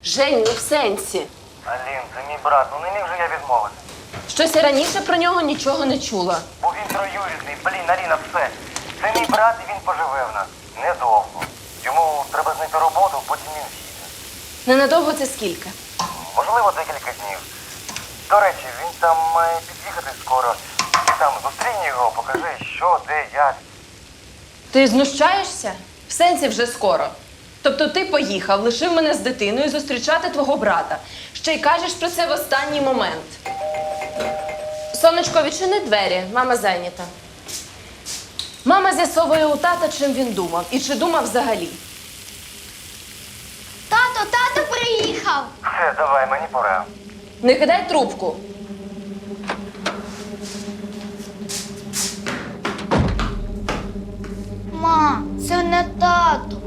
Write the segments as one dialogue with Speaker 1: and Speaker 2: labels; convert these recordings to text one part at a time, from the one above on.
Speaker 1: Жень, ну в сенсі.
Speaker 2: Алін, це мій брат, ну не міг же я відмовити.
Speaker 1: Щось я раніше про нього нічого не чула.
Speaker 2: Бо він троюрідний, блін, Аліна, все. Це мій брат і він поживе в нас. Недовго. Йому треба знайти роботу, потім він з'їде.
Speaker 1: Ненадовго це скільки?
Speaker 2: Можливо, декілька днів. До речі, він там має під'їхати скоро. Ти там зустрінь його, покажи, що, де, як.
Speaker 1: Ти знущаєшся? В сенсі вже скоро. Тобто ти поїхав, лишив мене з дитиною зустрічати твого брата. Ще й кажеш про це в останній момент. Сонечко, відчини двері, мама зайнята. Мама з'ясовує у тата, чим він думав. І чи думав взагалі.
Speaker 3: Тато приїхав!
Speaker 2: Все, давай, мені пора.
Speaker 1: Не кидай трубку.
Speaker 3: Ма, це не тато.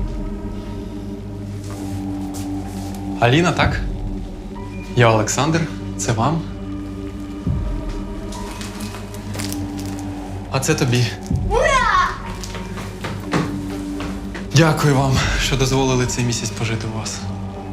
Speaker 4: Аліна, так? Я Олександр. Це вам. А це тобі.
Speaker 3: Ура!
Speaker 4: Дякую вам, що дозволили цей місяць пожити у вас.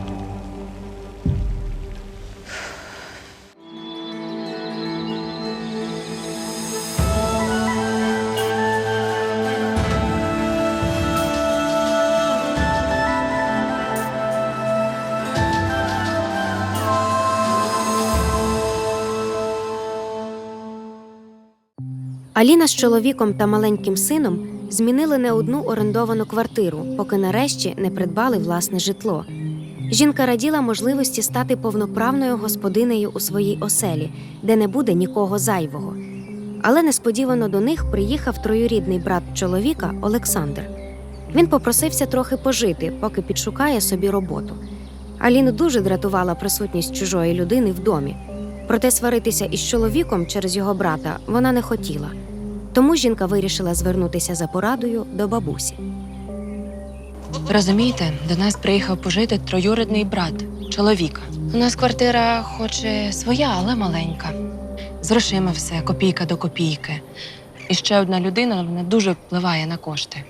Speaker 5: Аліна з чоловіком та маленьким сином змінили не одну орендовану квартиру, поки нарешті не придбали власне житло. Жінка раділа можливості стати повноправною господинею у своїй оселі, де не буде нікого зайвого. Але несподівано до них приїхав троюрідний брат чоловіка Олександр. Він попросився трохи пожити, поки підшукає собі роботу. Аліну дуже дратувала присутність чужої людини в домі. Проте сваритися із чоловіком через його брата вона не хотіла. Тому жінка вирішила звернутися за порадою до бабусі.
Speaker 6: Розумієте, до нас приїхав пожити троюрідний брат чоловіка. У нас квартира хоч і своя, але маленька. З грошима все, копійка до копійки. І ще одна людина, вона дуже впливає на кошти.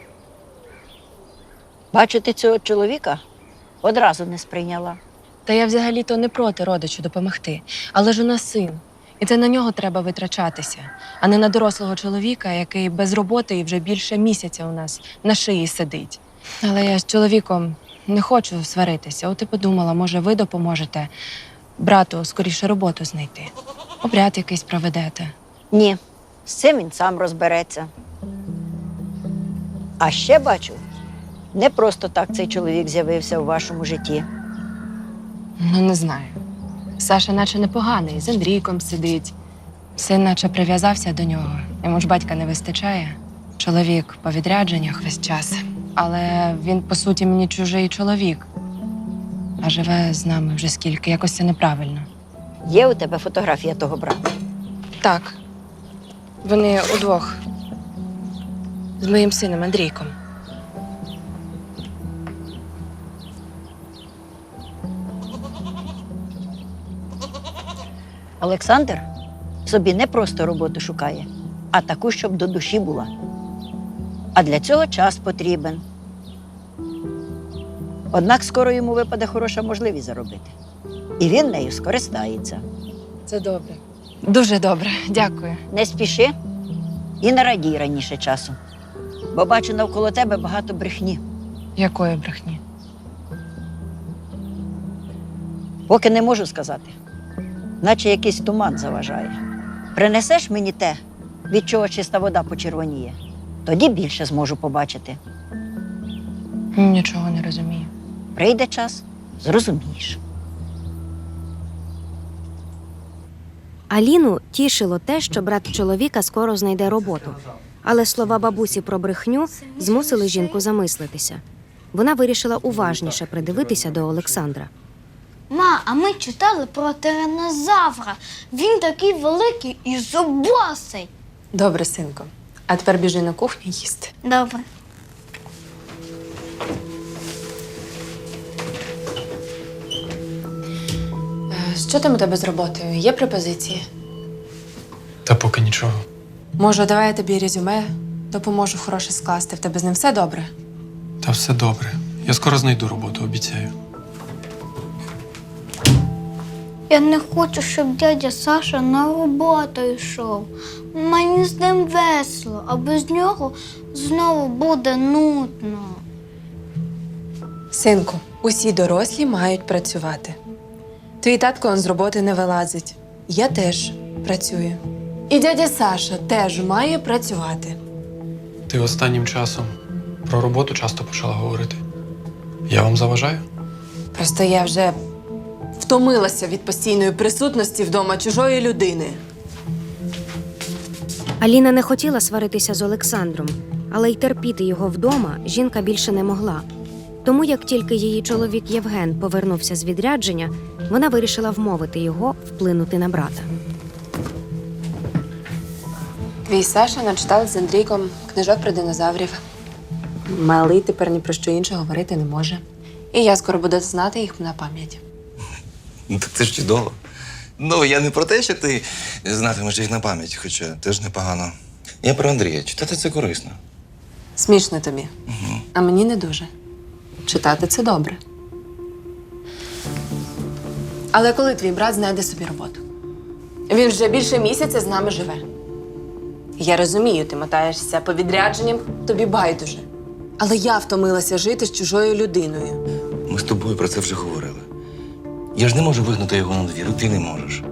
Speaker 7: Бачити цього чоловіка одразу не сприйняла.
Speaker 6: Та я взагалі-то не проти родичу допомогти. Але ж у нас син. І це на нього треба витрачатися, а не на дорослого чоловіка, який без роботи і вже більше місяця у нас на шиї сидить. Але я з чоловіком не хочу сваритися. От і подумала, може, ви допоможете брату скоріше роботу знайти. Обряд якийсь проведете.
Speaker 7: Ні, з цим він сам розбереться. А ще бачу, не просто так цей чоловік з'явився у вашому житті.
Speaker 6: Ну, не знаю. Саша наче непоганий, з Андрійком сидить. Син наче прив'язався до нього. Йому ж батька не вистачає. Чоловік по відрядженнях весь час. Але він, по суті, мені чужий чоловік. А живе з нами вже скільки, якось це неправильно.
Speaker 7: Є у тебе фотографія того брата?
Speaker 6: Так. Вони удвох. З моїм сином Андрійком.
Speaker 7: Олександр собі не просто роботу шукає, а таку, щоб до душі була. А для цього час потрібен. Однак скоро йому випаде хороша можливість заробити. І він нею скористається.
Speaker 6: Це добре. Дуже добре. Дякую.
Speaker 7: Не спіши і не радій раніше часу. Бо бачу навколо тебе багато брехні.
Speaker 6: Якої брехні?
Speaker 7: Поки не можу сказати. Наче якийсь туман заважає. Принесеш мені те, від чого чиста вода почервоніє, тоді більше зможу побачити.
Speaker 6: Нічого не розумію.
Speaker 7: Прийде час, зрозумієш.
Speaker 5: Аліну тішило те, що брат чоловіка скоро знайде роботу. Але слова бабусі про брехню змусили жінку замислитися. Вона вирішила уважніше придивитися до Олександра.
Speaker 3: Ма, а ми читали про тиранозавра. Він такий великий і зубастий.
Speaker 6: Добре, синко. А тепер біжи на кухню їсти.
Speaker 3: Добре.
Speaker 6: Що там у тебе з роботою? Є пропозиції?
Speaker 4: Та поки нічого.
Speaker 6: Може, давай я тобі резюме допоможу хороше скласти. В тебе з ним все добре?
Speaker 4: Та все добре. Я скоро знайду роботу, обіцяю.
Speaker 3: Я не хочу, щоб дядя Саша на роботу йшов. Мені з ним весело, а без нього знову буде нудно.
Speaker 6: Синку, усі дорослі мають працювати. Твій татко он з роботи не вилазить. Я теж працюю. І дядя Саша теж має працювати.
Speaker 4: Ти останнім часом про роботу часто почала говорити. Я вам заважаю?
Speaker 6: Просто я вже втомилася від постійної присутності вдома чужої людини.
Speaker 5: Аліна не хотіла сваритися з Олександром, але й терпіти його вдома жінка більше не могла. Тому, як тільки її чоловік Євген повернувся з відрядження, вона вирішила вмовити його вплинути на брата.
Speaker 6: Твій Саша начитав з Андрійком книжок про динозаврів. Малий тепер ні про що інше говорити не може. І я скоро буду знати їх на пам'ять.
Speaker 8: Ну, так це ж чудово. Ну, я не про те, що ти знатимеш їх на пам'ять, хоча теж непогано. Я про Андрія. Читати це корисно.
Speaker 6: Смішно тобі. А мені не дуже. Читати це добре. Але коли твій брат знайде собі роботу? Він вже більше місяця з нами живе. Я розумію, ти мотаєшся по відрядженням, тобі байдуже. Але я втомилася жити з чужою людиною.
Speaker 8: Ми з тобою про це вже говорили. Я ж не можу вигнати його на двір, і ти не можеш.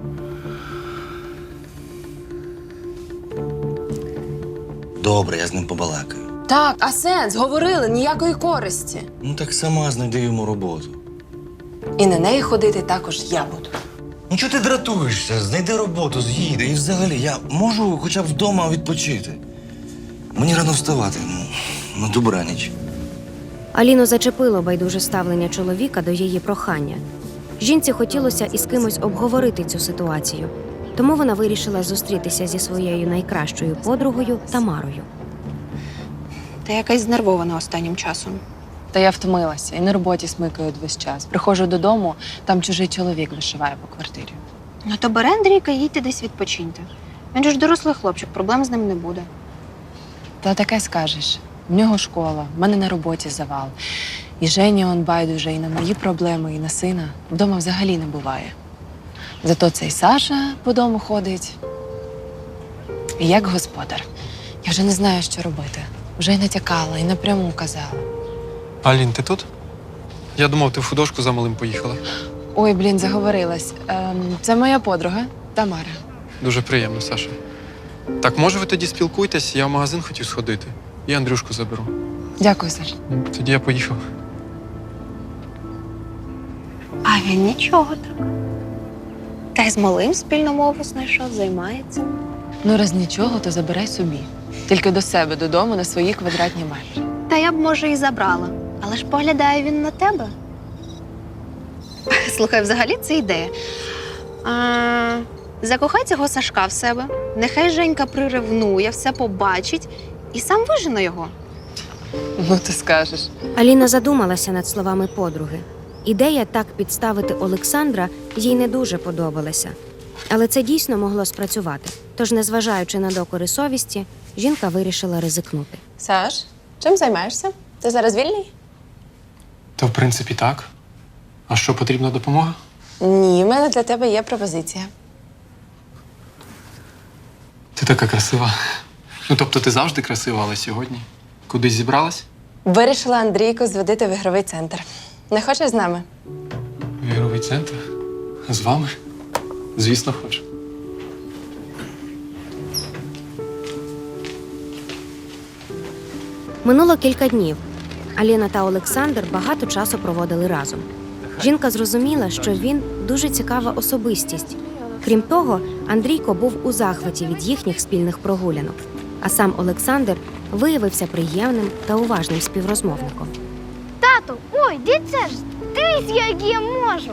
Speaker 8: Добре, я з ним побалакаю.
Speaker 6: Так, а сенс? Говорили, ніякої користі.
Speaker 8: Ну так сама знайди йому роботу.
Speaker 6: І на неї ходити також я буду.
Speaker 8: Ну чого ти дратуєшся? Знайди роботу, з'їди. І взагалі, я можу хоча б вдома відпочити. Мені рано вставати, на добраніч.
Speaker 5: Аліну зачепило байдуже ставлення чоловіка до її прохання. Жінці хотілося із кимось обговорити цю ситуацію, тому вона вирішила зустрітися зі своєю найкращою подругою Тамарою.
Speaker 9: Ти якась знервована останнім часом.
Speaker 6: Та я втомилася і на роботі смикаю весь час. Приходжу додому, там чужий чоловік вишиває по квартирі.
Speaker 9: Ну то бери Андрійка, їдьте десь відпочиньте. Він же ж дорослий хлопчик, проблем з ним не буде.
Speaker 6: Та таке скажеш. В нього школа, в мене на роботі завал. І Жені он байдуже і на мої проблеми, і на сина. Вдома взагалі не буває. Зато цей Саша по дому ходить. І як господар. Я вже не знаю, що робити. Вже й натякала, і напряму казала.
Speaker 4: Алін, ти тут? Я думав, ти в художку за малим поїхала.
Speaker 6: Ой, блін, заговорилась. Це моя подруга Тамара.
Speaker 4: Дуже приємно, Саша. Так, може, ви тоді спілкуйтесь, я в магазин хотів сходити. І Андрюшку заберу.
Speaker 6: Дякую, Саш.
Speaker 4: Тоді я поїхав.
Speaker 9: А він нічого так. Та й з малим спільну мову знайшов, займається.
Speaker 6: Ну, раз нічого, то забирай собі. Тільки до себе додому на свої квадратні метри.
Speaker 9: Та я б, може, і забрала. Але ж поглядає він на тебе. Слухай, взагалі це ідея. Закохай цього Сашка в себе. Нехай Женька приревнує, все побачить і сам вижене його.
Speaker 6: Ну, ти скажеш.
Speaker 5: Аліна задумалася над словами подруги. Ідея так підставити Олександра їй не дуже подобалася. Але це дійсно могло спрацювати. Тож, незважаючи на докори совісті, жінка вирішила ризикнути.
Speaker 6: Саш, чим займаєшся? Ти зараз вільний?
Speaker 4: Та в принципі так. А що, потрібна допомога?
Speaker 6: Ні, в мене для тебе є пропозиція.
Speaker 4: Ти така красива. Ну, тобто ти завжди красива, але сьогодні кудись зібралась?
Speaker 6: Вирішила Андрійку зводити в ігровий центр. Не хочеш з нами?
Speaker 4: В ігровий центр? З вами? Звісно, хочу.
Speaker 5: Минуло кілька днів. Аліна та Олександр багато часу проводили разом. Жінка зрозуміла, що він дуже цікава особистість. Крім того, Андрійко був у захваті від їхніх спільних прогулянок, а сам Олександр виявився приємним та уважним співрозмовником.
Speaker 3: Тату, ой, дивіться ж, дивись, як я можу.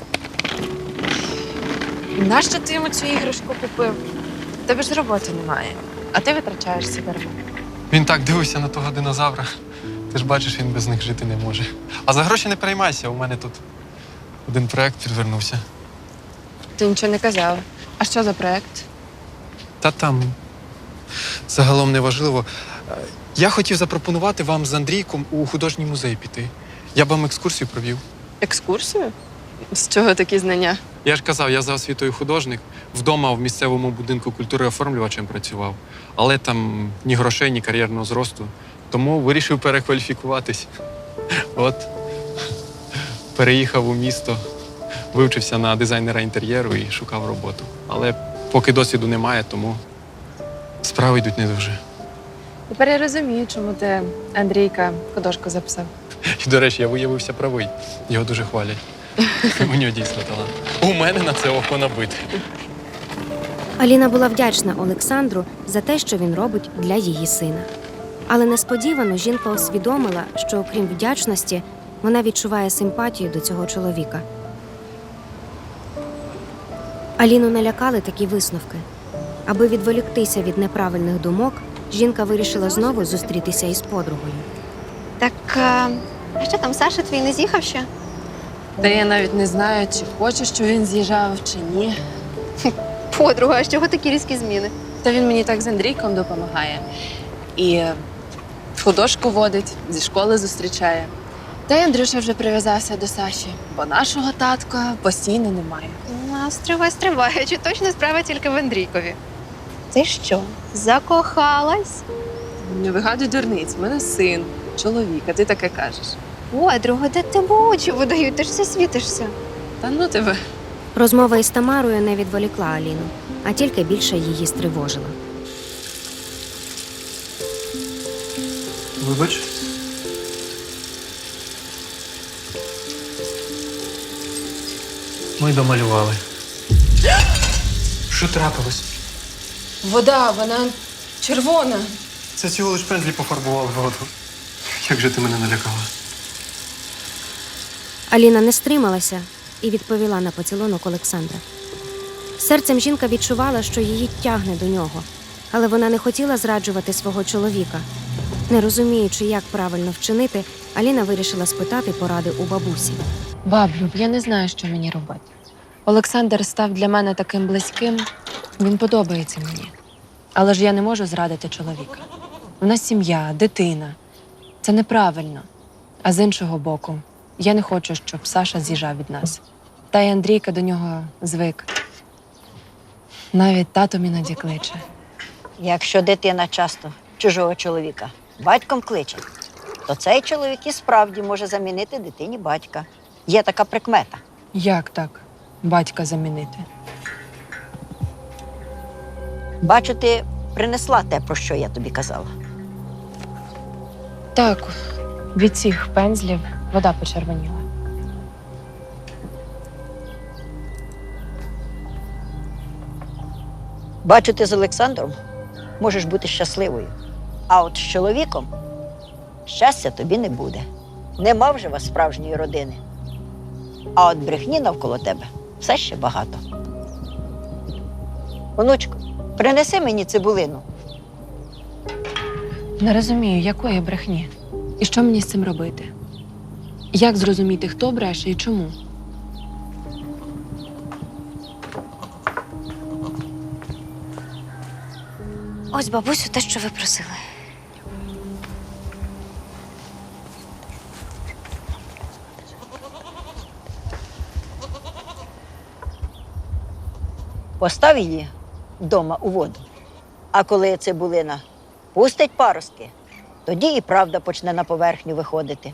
Speaker 6: Нащо ти йому цю іграшку купив? В тебе ж роботи немає, а ти витрачаєшся дарма.
Speaker 4: Він так дивився на того динозавра. Ти ж бачиш, він без них жити не може. А за гроші не переймайся, у мене тут один проект підвернувся.
Speaker 6: Ти нічого не казав. А що за проект?
Speaker 4: Та там загалом не важливо. Я хотів запропонувати вам з Андрійком у художній музей піти. Я б вам екскурсію провів.
Speaker 6: Екскурсію? З чого такі знання?
Speaker 4: Я ж казав, я за освітою художник. Вдома в місцевому будинку культури оформлювачем працював. Але там ні грошей, ні кар'єрного зросту. Тому вирішив перекваліфікуватись. От. Переїхав у місто, вивчився на дизайнера інтер'єру і шукав роботу. Але поки досвіду немає, тому справи йдуть не дуже.
Speaker 6: Тепер я розумію, чому ти Андрійка художку записав.
Speaker 4: І, до речі, я виявився правий. Його дуже хвалять. У нього дійсно талант. У мене на це око набите.
Speaker 5: Аліна була вдячна Олександру за те, що він робить для її сина. Але несподівано жінка усвідомила, що окрім вдячності, вона відчуває симпатію до цього чоловіка. Аліну налякали такі висновки. Аби відволіктися від неправильних думок, жінка вирішила знову зустрітися із подругою.
Speaker 9: Так, а що там, Саша твій не з'їхав ще?
Speaker 6: Та я навіть не знаю, чи хоче, щоб він з'їжджав, чи ні.
Speaker 9: Подруга, а з чого такі різкі зміни?
Speaker 6: Та він мені так з Андрійком допомагає. І в художку водить, зі школи зустрічає. Та й Андрюша вже прив'язався до Саші, бо нашого татка постійно немає.
Speaker 9: Стривай, чи точно справа тільки в Андрійкові? Ти що, закохалась?
Speaker 6: Не вигадуй дурниць, в мене син, чоловік, а ти таке кажеш.
Speaker 9: Подруга, де тебе очі видають, ти ж все світишся.
Speaker 6: Та ну тебе.
Speaker 5: Розмова із Тамарою не відволікла Аліну, а тільки більше її стривожила.
Speaker 4: Вибач. Ми домалювали. Що трапилось?
Speaker 1: Вода, вона червона.
Speaker 4: Це цього лиш пензлі пофарбували воду. Як же ти мене налякала?
Speaker 5: Аліна не стрималася і відповіла на поцілунок Олександра. Серцем жінка відчувала, що її тягне до нього, але вона не хотіла зраджувати свого чоловіка. Не розуміючи, як правильно вчинити, Аліна вирішила спитати поради у бабусі.
Speaker 6: Баблю, я не знаю, що мені робити. Олександр став для мене таким близьким, він подобається мені. Але ж я не можу зрадити чоловіка. У нас сім'я, дитина. Це неправильно. А з іншого боку, я не хочу, щоб Саша з'їжджав від нас. Та й Андрійка до нього звик. Навіть тато іноді кличе.
Speaker 7: Якщо дитина часто чужого чоловіка батьком кличе, то цей чоловік і справді може замінити дитині батька. Є така прикмета.
Speaker 6: Як так батька замінити?
Speaker 7: Бачу, ти принесла те, про що я тобі казала.
Speaker 6: Так, від цих пензлів вода почервоніла.
Speaker 7: Бачу, ти з Олександром можеш бути щасливою. А от з чоловіком щастя тобі не буде. Нема вже вас справжньої родини. А от брехні навколо тебе все ще багато. Онучко, принеси мені цибулину.
Speaker 6: Не розумію, якої брехні. І що мені з цим робити? Як зрозуміти, хто бреше і чому?
Speaker 9: Ось, бабусю, те, що ви просили.
Speaker 7: Постав її вдома у воду. А коли цибулина пустить паростки, тоді і правда почне на поверхню виходити.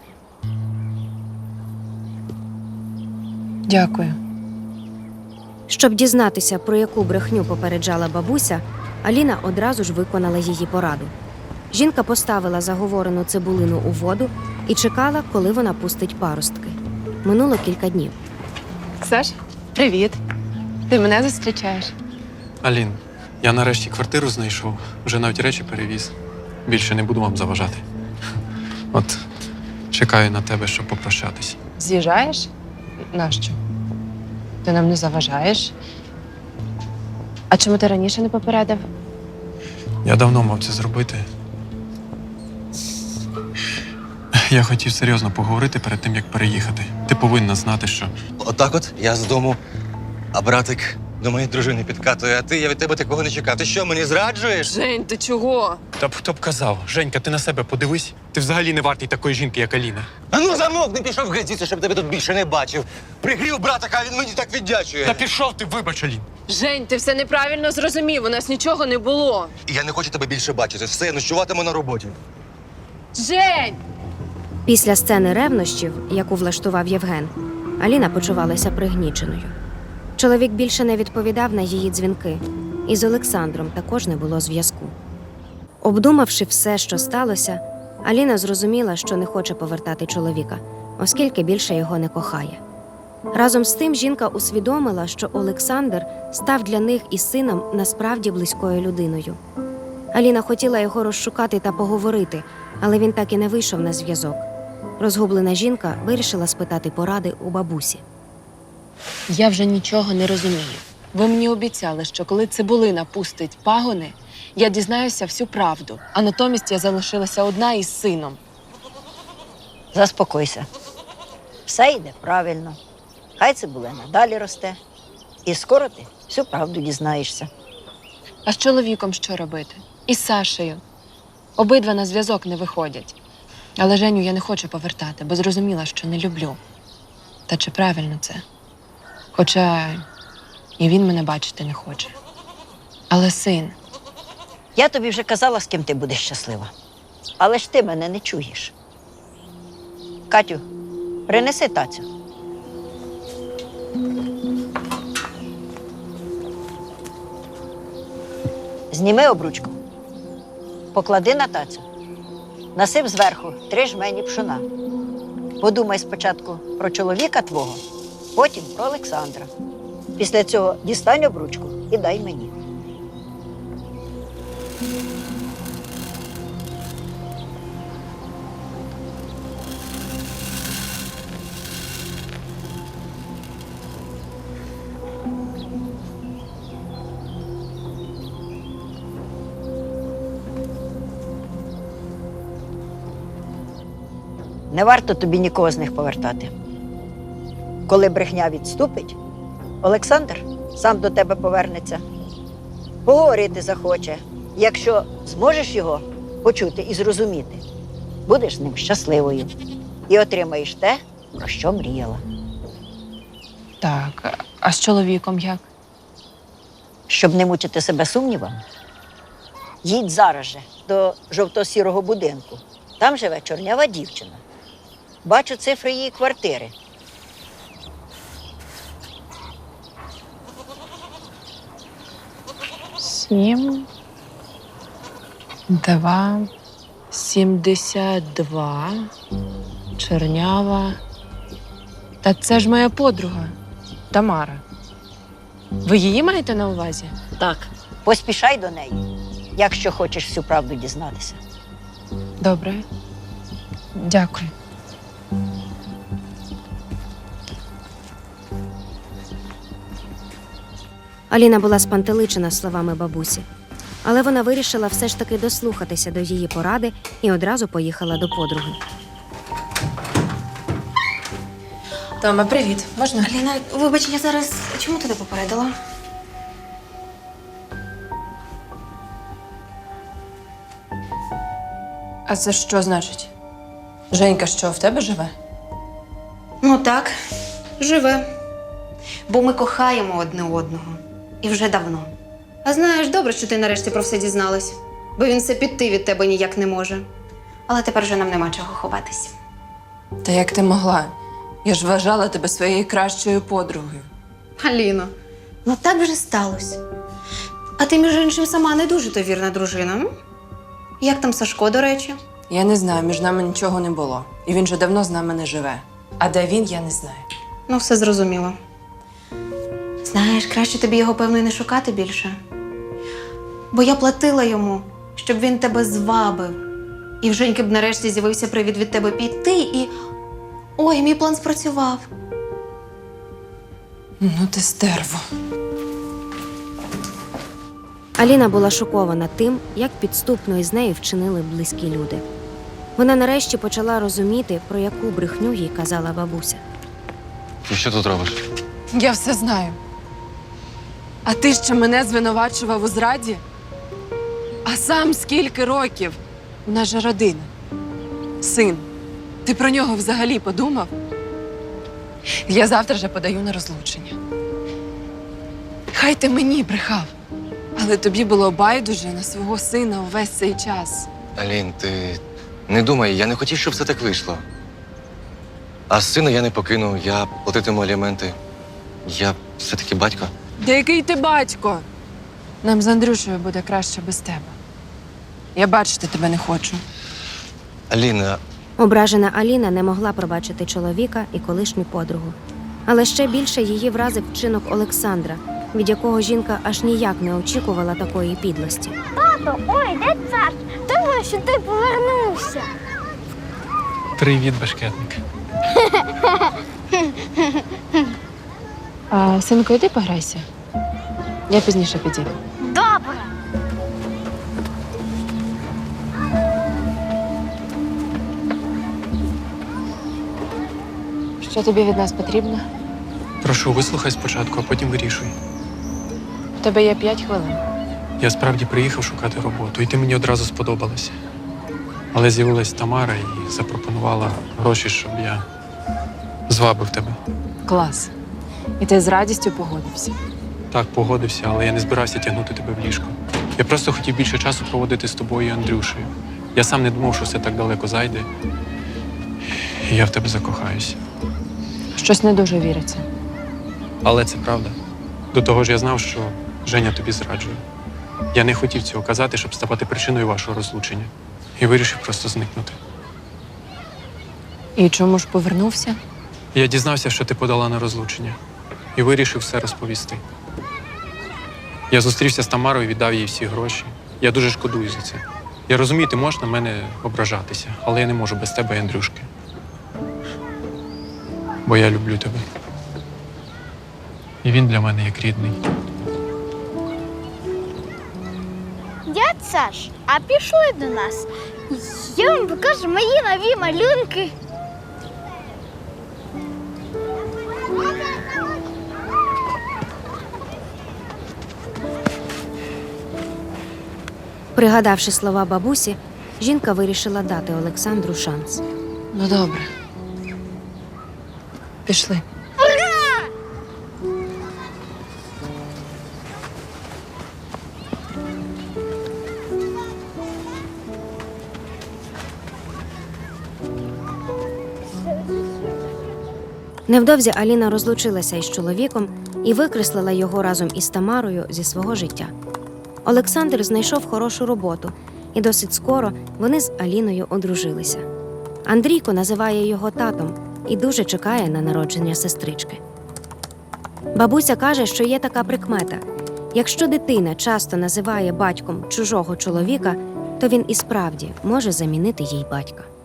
Speaker 6: Дякую.
Speaker 5: Щоб дізнатися, про яку брехню попереджала бабуся, Аліна одразу ж виконала її пораду. Жінка поставила заговорену цибулину у воду і чекала, коли вона пустить паростки. Минуло кілька днів.
Speaker 6: Саш, привіт. Ти мене зустрічаєш?
Speaker 4: Алін, я нарешті квартиру знайшов, вже навіть речі перевіз. Більше не буду вам заважати. От чекаю на тебе, щоб попрощатись.
Speaker 6: З'їжджаєш? Нащо? Ти нам не заважаєш. А чому ти раніше не попередив?
Speaker 4: Я давно мав це зробити. Я хотів серйозно поговорити перед тим, як переїхати. Ти повинна знати, що
Speaker 8: Отак от я з дому, а братик до моєї дружини підкатує, а я від тебе такого не чекав. Ти що, мені зраджуєш?
Speaker 6: Жень, ти чого?
Speaker 4: Та б хто б казав, Женька, ти на себе подивись. Ти взагалі не вартий такої жінки, як Аліна.
Speaker 8: А ну замовк, не пішов геть звідси, щоб тебе тут більше не бачив. Пригрів брата, а він мені так віддячує.
Speaker 4: Та пішов ти, вибач, Алін.
Speaker 6: Жень, ти все неправильно зрозумів. У нас нічого не було.
Speaker 8: І я не хочу тебе більше бачити. Все, я ночуватиму на роботі.
Speaker 6: Жень!
Speaker 5: Після сцени ревнощів, яку влаштував Євген, Аліна почувалася пригніченою. Чоловік більше не відповідав на її дзвінки, і з Олександром також не було зв'язку. Обдумавши все, що сталося, Аліна зрозуміла, що не хоче повертати чоловіка, оскільки більше його не кохає. Разом з тим жінка усвідомила, що Олександр став для них із сином насправді близькою людиною. Аліна хотіла його розшукати та поговорити, але він так і не вийшов на зв'язок. Розгублена жінка вирішила спитати поради у бабусі.
Speaker 6: Я вже нічого не розумію. Ви мені обіцяли, що коли цибулина пустить пагони, я дізнаюся всю правду, а натомість я залишилася одна із сином.
Speaker 7: Заспокойся. Все йде правильно. Хай цибулина далі росте. І скоро ти всю правду дізнаєшся.
Speaker 6: А з чоловіком що робити? І з Сашею. Обидва на зв'язок не виходять. Але Женю я не хочу повертати, бо зрозуміла, що не люблю. Та чи правильно це? Хоча і він мене бачити не хоче. Але син.
Speaker 7: Я тобі вже казала, з ким ти будеш щаслива. Але ж ти мене не чуєш. Катю, принеси тацю. Зніми обручку. Поклади на тацю. Насип зверху 3 жмені пшона. Подумай спочатку про чоловіка твого, потім про Олександра. Після цього дістань обручку і дай мені. Не варто тобі нікого з них повертати. Коли брехня відступить, Олександр сам до тебе повернеться. Поговорити захоче. Якщо зможеш його почути і зрозуміти, будеш з ним щасливою і отримаєш те, про що мріяла.
Speaker 6: Так, а з чоловіком як?
Speaker 7: Щоб не мучити себе сумнівами, їдь зараз же до жовто-сірого будинку. Там живе чорнява дівчина. Бачу цифри її квартири.
Speaker 6: Сім, 2, 72, чорнява. Та це ж моя подруга Тамара. Ви її маєте на увазі?
Speaker 7: Так. Поспішай до неї, якщо хочеш всю правду дізнатися.
Speaker 6: Добре. Дякую.
Speaker 5: Аліна була спантеличена словами бабусі, але вона вирішила все ж таки дослухатися до її поради і одразу поїхала до подруги.
Speaker 6: Тома, привіт. Можна?
Speaker 9: Аліна, вибач, я зараз чому ти не попередила?
Speaker 6: А це що значить? Женька що, в тебе живе?
Speaker 9: Ну так, живе. Бо ми кохаємо одне одного. І вже давно. А знаєш, добре, що ти нарешті про все дізналась. Бо він все піти від тебе ніяк не може. Але тепер вже нам нема чого ховатись.
Speaker 6: Та як ти могла? Я ж вважала тебе своєю кращою подругою.
Speaker 9: Аліно, ну так вже сталося. А ти, між іншим, сама не дуже то вірна дружина. М? Як там Сашко, до речі?
Speaker 6: Я не знаю, між нами нічого не було. І він же давно з нами не живе. А де він, я не знаю.
Speaker 9: Ну, все зрозуміло. Знаєш, краще тобі його, певно, і не шукати більше. Бо я платила йому, щоб він тебе звабив. І в Женьки б нарешті з'явився привід від тебе піти, і... Ой, мій план спрацював.
Speaker 6: Ну ти стерво.
Speaker 5: Аліна була шокована тим, як підступно із нею вчинили близькі люди. Вона нарешті почала розуміти, про яку брехню їй казала бабуся.
Speaker 8: Ти що тут робиш?
Speaker 6: Я все знаю. А ти ще мене звинувачував у зраді? А сам скільки років? У нас же родина. Син. Ти про нього взагалі подумав? Я завтра же подаю на розлучення. Хай ти мені брехав, але тобі було байдуже на свого сина увесь цей час.
Speaker 8: Алін, ти не думай, я не хотів, щоб все так вийшло. А сина я не покину, я платитиму аліменти. Я все-таки батько.
Speaker 6: Та який ти батько? Нам з Андрюшею буде краще без тебе. Я бачити тебе не хочу.
Speaker 8: Аліна,
Speaker 5: Ображена Аліна не могла пробачити чоловіка і колишню подругу. Але ще більше її вразив вчинок Олександра, від якого жінка аж ніяк не очікувала такої підлості.
Speaker 3: Тато, ой, де цар? Думаю, що ти повернувся.
Speaker 4: Привіт, бешкетник.
Speaker 6: Синко, йди пограйся. Я пізніше підійду.
Speaker 3: Добре.
Speaker 6: Що тобі від нас потрібно?
Speaker 4: Прошу, вислухай спочатку, а потім вирішуй.
Speaker 6: У тебе є 5 хвилин.
Speaker 4: Я справді приїхав шукати роботу, і ти мені одразу сподобалася. Але з'явилась Тамара і запропонувала гроші, щоб я звабив тебе.
Speaker 6: Клас. І ти з радістю погодився.
Speaker 4: Так, погодився, але я не збирався тягнути тебе в ліжко. Я просто хотів більше часу проводити з тобою і Андрюшею. Я сам не думав, що все так далеко зайде. І я в тебе закохаюся.
Speaker 6: Щось не дуже віриться.
Speaker 4: Але це правда. До того ж я знав, що Женя тобі зраджує. Я не хотів цього казати, щоб ставати причиною вашого розлучення. І вирішив просто зникнути.
Speaker 6: І чому ж повернувся?
Speaker 4: Я дізнався, що ти подала на розлучення. І вирішив все розповісти. Я зустрівся з Тамарою і віддав їй всі гроші. Я дуже шкодую за це. Я розумію, ти можеш на мене ображатися, але я не можу без тебе і Андрюшки. Бо я люблю тебе. І він для мене як рідний.
Speaker 3: Дядь Саш, а пішли до нас. Я вам покажу мої нові малюнки.
Speaker 5: Пригадавши слова бабусі, жінка вирішила дати Олександру шанс.
Speaker 6: Ну добре. Пішли.
Speaker 5: Невдовзі Аліна розлучилася із чоловіком і викреслила його разом із Тамарою зі свого життя. Олександр знайшов хорошу роботу, і досить скоро вони з Аліною одружилися. Андрійко називає його татом і дуже чекає на народження сестрички. Бабуся каже, що є така прикмета – якщо дитина часто називає батьком чужого чоловіка, то він і справді може замінити їй батька.